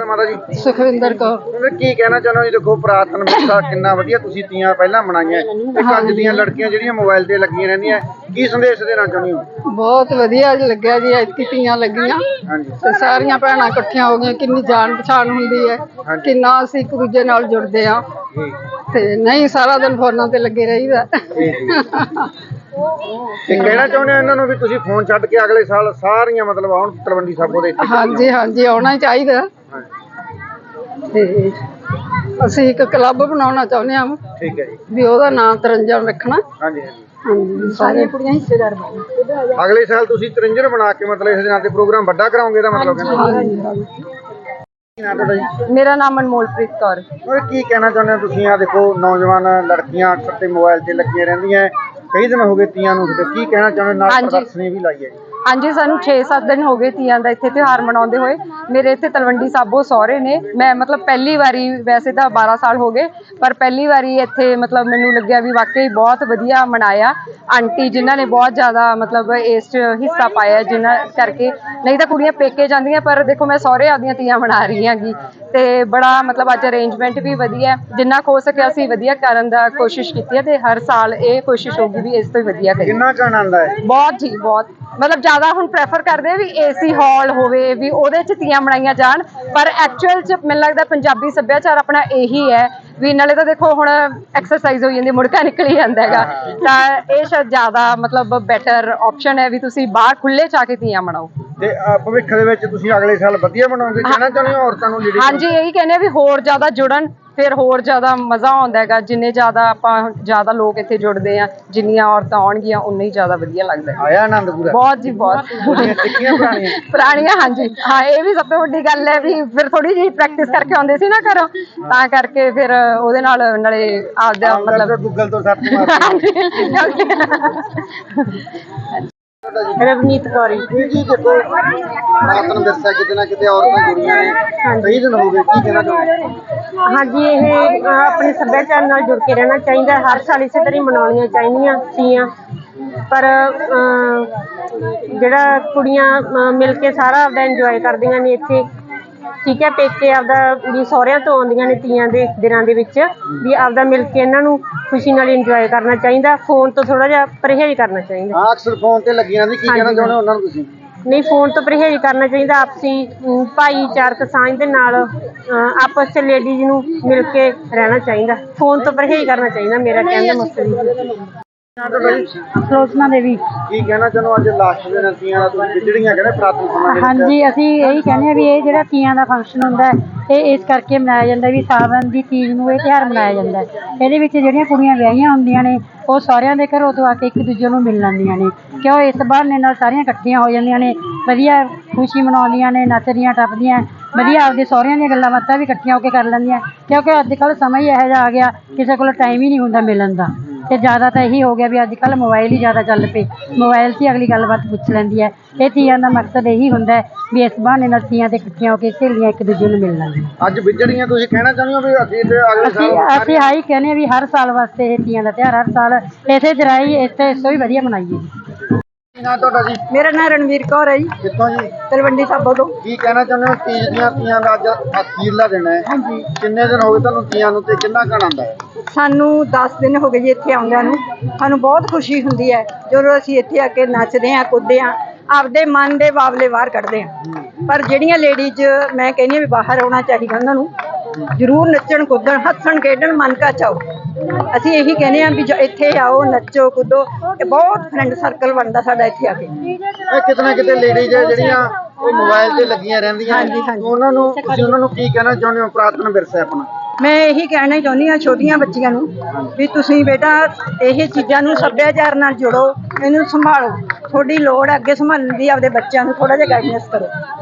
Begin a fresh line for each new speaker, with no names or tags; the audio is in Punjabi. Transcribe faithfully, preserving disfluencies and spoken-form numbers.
ਤੁਹਾਡਾ ਮਾਤਾ ਜੀ?
ਸੁਖਵਿੰਦਰ ਕੌਰ।
ਤੁਸੀਂ ਕੀ ਕਹਿਣਾ ਚਾਹੁੰਦੇ ਹੋ ਜੀ? ਦੇਖੋ ਪੁਰਾਤਨ ਵਿਰਸਾ ਕਿੰਨਾ ਵਧੀਆ ਤੁਸੀਂ ਤੀਆਂ ਪਹਿਲਾਂ ਮਨਾਈਆਂ ਤੇ ਅੱਜ ਦੀਆਂ ਲੜਕੀਆਂ ਜਿਹੜੀਆਂ ਮੋਬਾਈਲ ਤੇ ਲੱਗੀਆਂ ਰਹਿੰਦੀਆਂ, ਕੀ ਸੰਦੇਸ਼ ਦੇਣਾ ਚਾਹੁੰਦੇ ਹੋ?
ਬਹੁਤ ਵਧੀਆ ਲੱਗਿਆ ਜੀ, ਐਤਕੀ ਤੀਆਂ ਲੱਗੀਆਂ ਤੇ ਸਾਰੀਆਂ ਭੈਣਾਂ ਇਕੱਠੀਆਂ ਹੋ ਗਈਆਂ। ਕਿੰਨੀ ਜਾਣ ਪਛਾਣ ਹੁੰਦੀ ਹੈ, ਕਿੰਨਾ ਅਸੀਂ ਇੱਕ ਦੂਜੇ ਨਾਲ ਜੁੜਦੇ ਆ ਤੇ ਨਹੀਂ ਸਾਰਾ ਦਿਨ ਫੋਨਾਂ ਤੇ ਲੱਗੇ ਰਹੀਦਾ।
ਤੇ ਕਹਿਣਾ ਚਾਹੁੰਦੇ ਹੋ ਇਹਨਾਂ ਨੂੰ ਵੀ ਤੁਸੀਂ ਫੋਨ ਛੱਡ ਕੇ ਅਗਲੇ ਸਾਲ ਸਾਰੀਆਂ ਮਤਲਬ ਆਉਣ ਤਲਵੰਡੀ ਸਾਬੋ ਦੇ?
ਹਾਂਜੀ ਹਾਂਜੀ, ਆਉਣਾ ਹੀ ਚਾਹੀਦਾ ਤੇ ਅਸੀਂ ਇੱਕ ਕਲੱਬ ਬਣਾਉਣਾ ਚਾਹੁੰਦੇ ਹਾਂ।
ਠੀਕ ਹੈ ਜੀ,
ਵੀ ਉਹਦਾ ਨਾਮ ਤਰੰਜਣ ਰੱਖਣਾ।
ਹਾਂਜੀ ਹਾਂਜੀ
ਹਾਂਜੀ, ਸਾਰੀਆਂ ਕੁੜੀਆਂ ਹਿੱਸੇਦਾਰ ਬਣ।
ਅਗਲੇ ਸਾਲ ਤੁਸੀਂ ਤਰੰਜਣ ਬਣਾ ਕੇ ਮਤਲਬ ਇਸ ਦਿਨਾਂ ਤੇ ਪ੍ਰੋਗਰਾਮ ਵੱਡਾ ਕਰਾਓਗੇ ਇਹਦਾ ਮਤਲਬ?
ਮੇਰਾ ਨਾਮ ਅਨਮੋਲਪ੍ਰੀਤ ਕੌਰ।
ਕੀ ਕਹਿਣਾ ਚਾਹੁੰਦੇ ਹੋ ਤੁਸੀਂ? ਆ ਦੇਖੋ ਨੌਜਵਾਨ ਲੜਕੀਆਂ ਅਕਸਰ ਤੇ ਮੋਬਾਈਲ ਤੇ ਲੱਗੀਆਂ ਰਹਿੰਦੀਆਂ, ਕਈ ਦਿਨ ਹੋ ਗਏ ਤੀਆਂ ਨੂੰ, ਕੀ ਕਹਿਣਾ ਚਾਹੁੰਦੇ? ਨਾਲ ਪ੍ਰਦਰਸ਼ਨੀ ਵੀ ਲਾਈ ਹੈ ਜੀ।
ਹਾਂਜੀ, ਸਾਨੂੰ ਛੇ ਸੱਤ ਦਿਨ ਹੋ ਗਏ ਤੀਆਂ ਦਾ ਇੱਥੇ ਤਿਉਹਾਰ ਮਨਾਉਂਦੇ ਹੋਏ। ਮੇਰੇ ਇੱਥੇ ਤਲਵੰਡੀ ਸਾਬੋ ਸਹੁਰੇ ਨੇ। ਮੈਂ ਮਤਲਬ ਪਹਿਲੀ ਵਾਰੀ, ਵੈਸੇ ਤਾਂ ਬਾਰਾਂ ਸਾਲ ਹੋ ਗਏ, ਪਰ ਪਹਿਲੀ ਵਾਰੀ ਇੱਥੇ ਮਤਲਬ ਮੈਨੂੰ ਲੱਗਿਆ ਵੀ ਵਾਕਈ ਬਹੁਤ ਵਧੀਆ ਮਨਾਇਆ। ਆਂਟੀ ਜਿਨ੍ਹਾਂ ਨੇ ਬਹੁਤ ਜ਼ਿਆਦਾ ਮਤਲਬ ਇਸ 'ਚ ਹਿੱਸਾ ਪਾਇਆ, ਜਿਨ੍ਹਾਂ ਕਰਕੇ ਨਹੀਂ ਤਾਂ ਕੁੜੀਆਂ ਪੇਕੇ ਜਾਂਦੀਆਂ, ਪਰ ਦੇਖੋ ਮੈਂ ਸਹੁਰੇ ਆਪਦੀਆਂ ਤੀਆਂ ਮਨਾ ਰਹੀ ਹੈਗੀ ਤੇ ਬੜਾ ਮਤਲਬ ਅੱਜ ਅਰੇਂਜਮੈਂਟ ਵੀ ਵਧੀਆ, ਜਿੰਨਾ ਕੁ ਹੋ ਸਕਿਆ ਅਸੀਂ ਵਧੀਆ ਕਰਨ ਦਾ ਕੋਸ਼ਿਸ਼ ਕੀਤੀ ਹੈ ਤੇ ਹਰ ਸਾਲ ਇਹ ਕੋਸ਼ਿਸ਼ ਹੋਊਗੀ ਵੀ ਇਸ ਤੋਂ ਹੀ ਵਧੀਆ ਕਰੀਏ।
ਕਿੰਨਾ ਕੁ ਆਨੰਦ ਹੈ?
ਬਹੁਤ ਜੀ ਬਹੁਤ, ਮਤਲਬ ਜ਼ਿਆਦਾ ਹੁਣ ਪ੍ਰੈਫਰ ਕਰਦੇ ਆ ਵੀ ਏਸੀ ਹਾਲ ਹੋਵੇ, ਵੀ ਉਹਦੇ 'ਚ ਤੀਆਂ ਮਨਾਈਆਂ ਜਾਣ, ਪਰ ਐਕਚੁਅਲ 'ਚ ਮੈਨੂੰ ਲੱਗਦਾ ਪੰਜਾਬੀ ਸੱਭਿਆਚਾਰ ਆਪਣਾ ਇਹੀ ਹੈ ਵੀ ਨਾਲੇ ਤਾਂ ਦੇਖੋ ਹੁਣ ਐਕਸਰਸਾਈਜ਼ ਹੋ ਜਾਂਦੀ, ਮੁੜਕਾ ਨਿਕਲ ਜਾਂਦਾ ਹੈਗਾ, ਤਾਂ ਇਹ ਸ਼ਾਇਦ ਜ਼ਿਆਦਾ ਮਤਲਬ ਬੈਟਰ ਆਪਸ਼ਨ ਹੈ ਵੀ ਤੁਸੀਂ ਬਾਹਰ ਖੁੱਲ੍ਹੇ 'ਚ ਆ ਕੇ ਤੀਆਂ ਮਨਾਓ।
ਤੇ ਭਵਿੱਖ ਦੇ ਵਿੱਚ ਤੁਸੀਂ ਅਗਲੇ ਸਾਲ ਵਧੀਆ ਬਣਾਓਗੇ? ਕਹਿਣਾ ਚਾਹੁੰਦੇ ਹੋ ਔਰਤਾਂ ਨੂੰ?
ਹਾਂਜੀ, ਇਹੀ ਕਹਿੰਦੇ ਆ ਵੀ ਹੋਰ ਜ਼ਿਆਦਾ ਜੁੜਨ, ਫਿਰ ਹੋਰ ਜ਼ਿਆਦਾ ਮਜ਼ਾ ਆਉਂਦਾ ਹੈਗਾ। ਜਿੰਨੇ ਜ਼ਿਆਦਾ ਆਪਾਂ ਜ਼ਿਆਦਾ ਲੋਕ ਇੱਥੇ ਜੁੜਦੇ ਆ, ਜਿੰਨੀਆਂ ਔਰਤਾਂ ਆਉਣਗੀਆਂ ਉਨਾ ਹੀ ਜ਼ਿਆਦਾ ਵਧੀਆ ਲੱਗਦਾ।
ਆਇਆ ਆਨੰਦ ਪੂਰਾ?
ਬਹੁਤ ਜੀ ਬਹੁਤ।
ਸਿੱਖੀਆਂ ਪੁਰਾਣੀਆਂ?
ਪੁਰਾਣੀਆਂ, ਹਾਂਜੀ ਹਾਂ, ਇਹ ਵੀ ਸਭ ਤੋਂ ਵੱਡੀ ਗੱਲ ਹੈ ਵੀ ਫਿਰ ਥੋੜੀ ਜਿਹੀ ਪ੍ਰੈਕਟਿਸ ਕਰਕੇ ਆਉਂਦੇ ਸੀ ਨਾ ਘਰੋਂ, ਤਾਂ ਕਰਕੇ ਫਿਰ ਉਹਦੇ ਨਾਲ ਨਾਲੇ ਆਪਦਾ ਮਤਲਬ
ਗੂਗਲ ਤੋਂ ਸਰਚ ਮਾਰ।
ਰਵਨੀਤ ਕੌਰ
ਜੀ। ਦੇਖੋ ਪੁਰਾਤਨ ਵਿਰਸਾ ਕਿਤੇ ਨਾ ਕਿਤੇ ਔਰਤਾਂ ਜੁੜੀਆਂ ਨੇ, ਕਈ ਦਿਨ ਹੋ ਗਏ, ਕੀ ਕਹਿਣਾ ਚਾਹੁੰਦੇ?
ਹਾਂਜੀ, ਇਹ ਆਪਣੇ ਸੱਭਿਆਚਾਰ ਨਾਲ ਜੁੜ ਕੇ ਰਹਿਣਾ ਚਾਹੀਦਾ। ਹਰ ਸਾਲ ਇਸੇ ਤਰ੍ਹਾਂ ਹੀ ਮਨਾਉਣੀਆਂ ਚਾਹੀਦੀਆਂ ਤੀਆਂ, ਪਰ ਜਿਹੜਾ ਕੁੜੀਆਂ ਮਿਲ ਕੇ ਸਾਰਾ ਆਪਦਾ ਇੰਜੋਏ ਕਰਦੀਆਂ ਨੇ ਇੱਥੇ, ਠੀਕ ਹੈ, ਪੇਕੇ ਆਪਦਾ ਵੀ ਸਹੁਰਿਆਂ ਤੋਂ ਆਉਂਦੀਆਂ ਨੇ ਤੀਆਂ ਦੇ ਦਿਨਾਂ ਦੇ ਵਿੱਚ, ਵੀ ਆਪਦਾ ਮਿਲ ਕੇ ਇਹਨਾਂ ਨੂੰ ਖੁਸ਼ੀ ਨਾਲ ਇੰਜੋਏ ਕਰਨਾ ਚਾਹੀਦਾ। ਫੋਨ ਤੋਂ ਥੋੜ੍ਹਾ ਜਿਹਾ ਪਰਹੇਜ਼ ਕਰਨਾ ਚਾਹੀਦਾ।
ਹਾਂ, ਅਕਸਰ ਫੋਨ ਤੇ ਲੱਗੀਆਂ ਨੇ, ਕੀ ਕਹਿਣਾ ਚਾਹੁੰਦੇ ਹੋ ਉਹਨਾਂ ਨੂੰ ਤੁਸੀਂ?
ਨਹੀਂ, ਫੋਨ ਤੋਂ ਪਰਹੇਜ਼ ਕਰਨਾ ਚਾਹੀਦਾ। ਆਪਸੀ ਭਾਈਚਾਰਕ ਸਾਂਝ ਦੇ ਨਾਲ ਆਪਸ 'ਚ ਲੇਡੀਜ਼ ਨੂੰ ਮਿਲ ਕੇ ਰਹਿਣਾ ਚਾਹੀਦਾ। ਫੋਨ ਤੋਂ ਪਰਹੇਜ਼ ਕਰਨਾ ਚਾਹੀਦਾ, ਮੇਰਾ ਕਹਿਣ ਦਾ ਮਕਸਦ।
ਸਲੋਚਨਾ ਦੇਵੀ।
ਕੀ ਕਹਿਣਾ ਚਾਹੁੰਦੇ ਹੋ? ਅੱਜ ਲਾਸਟ ਦਿਨ ਤੀਆਂ ਦਾ ਤੁਸੀਂ ਵਿਜੜੀਆਂ ਕਹਿੰਦੇ ਪੁਰਾਤਨ ਸਮਾਂ ਦੇ ਵਿੱਚ?
ਹਾਂਜੀ, ਅਸੀਂ ਇਹੀ ਕਹਿੰਦੇ ਹਾਂ ਵੀ ਇਹ ਜਿਹੜਾ ਤੀਆਂ ਦਾ ਫੰਕਸ਼ਨ ਹੁੰਦਾ ਇਹ ਇਸ ਕਰਕੇ ਮਨਾਇਆ ਜਾਂਦਾ ਵੀ ਸਾਵਣ ਦੀ ਤੀਜ ਨੂੰ ਇਹ ਤਿਉਹਾਰ ਮਨਾਇਆ ਜਾਂਦਾ। ਇਹਦੇ ਵਿੱਚ ਜਿਹੜੀਆਂ ਕੁੜੀਆਂ ਵਿਆਹੀਆਂ ਹੁੰਦੀਆਂ ਨੇ ਉਹ ਸਾਰਿਆਂ ਦੇ ਘਰੋਂ ਤੋਂ ਆ ਕੇ ਇੱਕ ਦੂਜੇ ਨੂੰ ਮਿਲ ਲੈਂਦੀਆਂ ਨੇ, ਕਿਉਂ ਇਸ ਬਹਾਨੇ ਨਾਲ ਸਾਰੀਆਂ ਇਕੱਠੀਆਂ ਹੋ ਜਾਂਦੀਆਂ ਨੇ, ਵਧੀਆ ਖੁਸ਼ੀ ਮਨਾਉਂਦੀਆਂ ਨੇ, ਨੱਚਦੀਆਂ ਟੱਪਦੀਆਂ, ਵਧੀਆ ਆਪਦੇ ਸਹੁਰਿਆਂ ਦੀਆਂ ਗੱਲਾਂ ਬਾਤਾਂ ਵੀ ਇਕੱਠੀਆਂ ਹੋ ਕੇ ਕਰ ਲੈਂਦੀਆਂ, ਕਿਉਂਕਿ ਅੱਜ ਕੱਲ੍ਹ ਸਮਾਂ ਹੀ ਇਹੋ ਜਿਹਾ ਆ ਗਿਆ ਕਿਸੇ ਕੋਲ ਟਾਈਮ ਹੀ ਨਹੀਂ ਹੁੰਦਾ ਮਿਲਣ ਦਾ। ਤੇ ਜ਼ਿਆਦਾ ਤਾਂ ਇਹੀ ਹੋ ਗਿਆ ਵੀ ਅੱਜ ਕੱਲ੍ਹ ਮੋਬਾਇਲ ਹੀ ਜ਼ਿਆਦਾ ਚੱਲ ਪਏ, ਮੋਬਾਇਲ 'ਤੇ ਹੀ ਅਗਲੀ ਗੱਲਬਾਤ ਪੁੱਛ ਲੈਂਦੀ ਹੈ। ਇਹ ਤੀਆਂ ਦਾ ਮਕਸਦ ਇਹੀ ਹੁੰਦਾ ਵੀ ਇਸ ਬਹਾਨੇ ਨਾਲ ਤੀਆਂ 'ਤੇ ਇਕੱਠੀਆਂ ਹੋ ਕੇ ਸਹੇਲੀਆਂ ਇੱਕ ਦੂਜੇ ਨੂੰ ਮਿਲ ਲੈਂਦੀਆਂ।
ਅੱਜ ਵਿਜੜੀਆਂ ਤੁਸੀਂ ਕਹਿਣਾ ਚਾਹੁੰਦੇ ਹੋ ਵੀ ਅਸੀਂ ਤੇ ਅਗਲੇ
ਅਸੀਂ ਅਸੀਂ ਆਹੀ ਕਹਿੰਦੇ ਹਾਂ ਵੀ ਹਰ ਸਾਲ ਵਾਸਤੇ ਇਹ ਤੀਆਂ ਦਾ ਤਿਉਹਾਰ ਹਰ ਸਾਲ ਇੱਥੇ ਜਰਾਈ ਇੱਥੇ ਇਸ ਤੋਂ ਵੀ ਵਧੀਆ ਮਨਾਈਏ।
ਕੀ ਨਾਂ ਤੁਹਾਡਾ ਜੀ?
ਮੇਰਾ ਨਾਂ ਰਣਵੀਰ ਕੌਰ ਹੈ ਜੀ।
ਕਿੱਥੋਂ ਜੀ?
ਤਲਵੰਡੀ ਸਾਬੋ ਤੋਂ।
ਕੀ ਕਹਿਣਾ ਚਾਹੁੰਦੇ ਹੋ? ਤੀਜ ਦੀਆਂ ਤੀਆਂ ਦਾ ਅੱਜ ਅਖੀਰਲਾ ਦਿਨ ਹੈ। ਹਾਂਜੀ। ਕਿੰਨੇ ਦਿਨ ਹੋ ਗਏ ਤੁਹਾਨੂੰ ਤੀਆਂ ਨੂੰ ਤੇ ਕਿੰਨਾ ਕੁ ਆਨੰਦ ਹੈ?
ਸਾਨੂੰ ਦਸ ਦਿਨ ਹੋ ਗਏ ਜੀ ਇੱਥੇ ਆਉਂਦਿਆਂ ਨੂੰ। ਸਾਨੂੰ ਬਹੁਤ ਖੁਸ਼ੀ ਹੁੰਦੀ ਹੈ ਜਦੋਂ ਅਸੀਂ ਇੱਥੇ ਆ ਕੇ ਨੱਚਦੇ ਹਾਂ, ਕੁੱਦਦੇ ਹਾਂ, ਆਪਦੇ ਮਨ ਦੇ ਬਾਬਲੇ ਬਾਹਰ ਕੱਢਦੇ ਹਾਂ। ਪਰ ਜਿਹੜੀਆਂ ਲੇਡੀਜ਼, ਮੈਂ ਕਹਿੰਦੀ ਹਾਂ ਵੀ ਬਾਹਰ ਆਉਣਾ ਚਾਹੀਦਾ ਉਹਨਾਂ ਨੂੰ, ਜ਼ਰੂਰ ਨੱਚਣ ਕੁੱਦਣ, ਹੱਸਣ ਖੇਡਣ, ਮਨ ਕਾ ਚਾਓ। ਅਸੀਂ ਇਹੀ ਕਹਿੰਦੇ ਹਾਂ ਵੀ ਇੱਥੇ ਆਓ, ਨੱਚੋ ਕੁੱਦੋ, ਇਹ ਬਹੁਤ ਫਰੈਂਡ ਸਰਕਲ ਬਣਦਾ ਸਾਡਾ ਇੱਥੇ ਆ ਕੇ।
ਇਹ ਕਿਤੇ ਨਾ ਕਿਤੇ ਲੇਡੀਜ਼ ਜਿਹੜੀਆਂ ਉਹ ਮੋਬਾਈਲ ਤੇ ਲੱਗੀਆਂ ਰਹਿੰਦੀਆਂ, ਉਹਨਾਂ ਨੂੰ ਤੁਸੀਂ ਉਹਨਾਂ ਨੂੰ ਕੀ ਕਹਿਣਾ ਚਾਹੁੰਦੇ ਹੋ? ਪੁਰਾਤਨ ਵਿਰਸਾ ਆਪਣਾ।
ਮੈਂ ਇਹੀ ਕਹਿਣਾ ਚਾਹੁੰਦੀ ਹਾਂ ਛੋਟੀਆਂ ਬੱਚੀਆਂ ਨੂੰ ਵੀ ਤੁਸੀਂ ਬੇਟਾ ਇਹ ਚੀਜ਼ਾਂ ਨੂੰ ਸੱਭਿਆਚਾਰ ਨਾਲ ਜੁੜੋ, ਇਹਨੂੰ ਸੰਭਾਲੋ। ਤੁਹਾਡੀ ਲੋੜ ਹੈ ਅੱਗੇ ਸੰਭਾਲਣ ਦੀ, ਆਪਦੇ ਬੱਚਿਆਂ ਨੂੰ ਥੋੜ੍ਹਾ ਜਿਹਾ ਗਾਈਡੈਂਸ ਕਰੋ।